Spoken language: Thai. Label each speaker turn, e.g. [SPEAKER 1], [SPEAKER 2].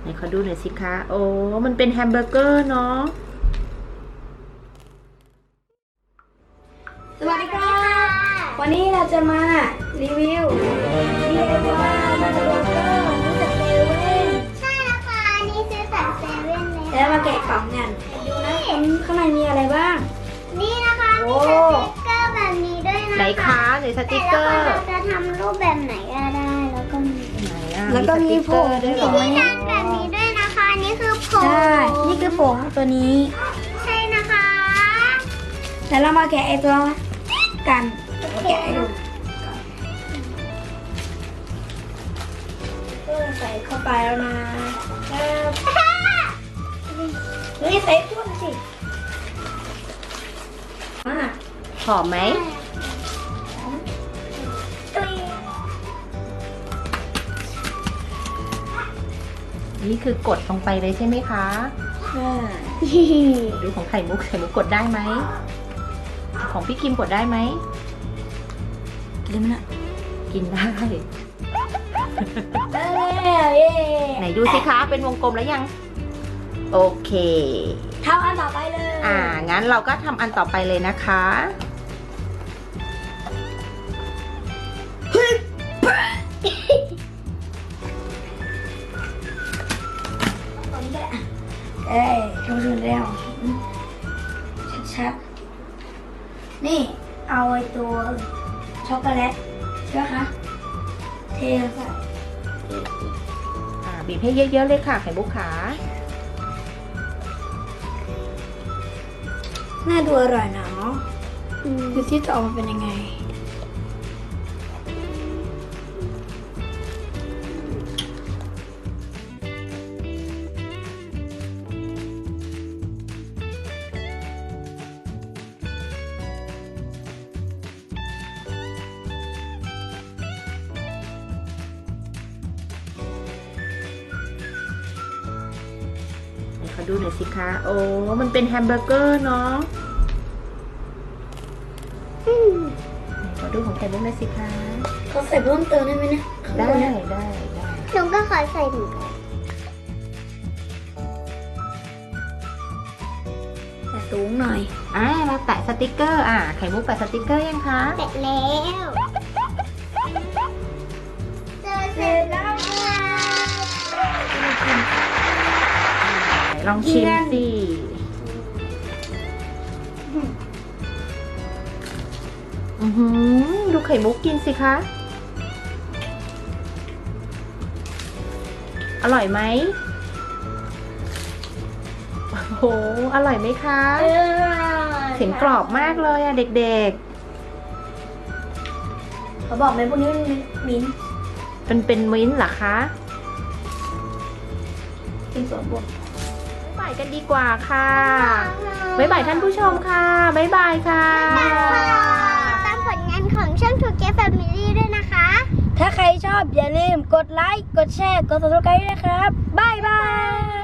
[SPEAKER 1] ไหนขอดูหน่อยสิคะโอ้มันเป็นแฮมเบอร์เกอร์เนาะ
[SPEAKER 2] สวัสดีครับวันนี้เราจะมารีวิว DIY แฮมเบอร์เกอร์นี่จากเซเว่น
[SPEAKER 3] ใช่แล้วค่ะอันนี้ซื้อจากเซเว่นเลย
[SPEAKER 2] แล้วมาแกะกล่องกันดูนะข้างในมีอะไรบ้าง
[SPEAKER 3] นี่นะคะ
[SPEAKER 2] โอ้
[SPEAKER 3] มีสติ๊กเกอร์แบบนี้ด้วยนะคะ
[SPEAKER 1] ไหนคะไหนสติ๊กเกอร์
[SPEAKER 3] แต่ละคนเราจะทำรูปแบบไหนก็ได้แล้วก็มี
[SPEAKER 1] ไหนอะ
[SPEAKER 2] แล้วก็มีผง
[SPEAKER 1] สติ๊กเกอร์ด้วยเหรอ
[SPEAKER 3] ที่ดันแบบนี้ด้วยนะคะอันนี่คือผง
[SPEAKER 2] ใช่นี่คือผงตัวนี้
[SPEAKER 3] ใช่นะคะ
[SPEAKER 2] แล้วเรามาแกะไอตัวกันแกะให้ดูใส่เข้าไปแล้วนะนี่ใส่พุ่นสิ
[SPEAKER 1] หอมไหมนี่คือกดลงไปเลยใช่ไหมคะดูของไข่มุกกดได้ไหมของพี่คิมกดได้ไหม
[SPEAKER 2] กินมันอะ
[SPEAKER 1] กินได้
[SPEAKER 2] เย้
[SPEAKER 1] ไหนดูสิคะเป็นวงกลมแล้วยังโอเค
[SPEAKER 2] ทำอันต่อไปเลย
[SPEAKER 1] งั้นเราก็ทำอันต่อไปเลยนะคะ
[SPEAKER 2] ทำสุดแล้วชัดๆนี่เอาไอ้ตัวช็อกโกแลตใช่ไหมคะเทใส่
[SPEAKER 1] บีบให้เยอะๆเลยค่ะไข่มุกขา
[SPEAKER 2] น่าดูอร่อยนะดูที่จะออกมาเป็นยังไง
[SPEAKER 1] ขอดูหน่อยสิคะโอ้มันเป็นแฮมเบอร์เกอร์เนาะขอดูของไข่มุกหน่อยสิคะ
[SPEAKER 2] เขาใส่เพิ่มเติมได้ไหมเนี่ย
[SPEAKER 1] ได้
[SPEAKER 3] หนูก็ขอใส่ถุง
[SPEAKER 2] แต่สูงหน่อย
[SPEAKER 1] เราแตะสติกเกอร์ไข่มุกแตะสติกเกอร์ยังคะ
[SPEAKER 3] เสร็จแล้วเสร็จแล้วค่ะ
[SPEAKER 1] ลองชิมสิดูไข่มุกกินสิคะอร่อยไหมโอ้โหอร่อยไหมคะเสียงกรอบมากเลยอะเด็ก
[SPEAKER 2] เขาบอกไหมพวกนี้มันมิ้นท์
[SPEAKER 1] ๆเป็นมิ้นท์เหรอคะ
[SPEAKER 2] เป็นส่วนบวก
[SPEAKER 1] บ๊ายบายกันดีกว่าค่ะบ๊ายบายท่านผู้ชมค่ะบ๊ายบายค่ะ
[SPEAKER 3] ตามผลงานของช่องทูเกฟแฟมิลี่ด้วยนะคะ
[SPEAKER 2] ถ้าใครชอบอย่าลืมกดไลค์ กดแชร์ กด subscribe ด้วยนะครับ บ๊ายบาย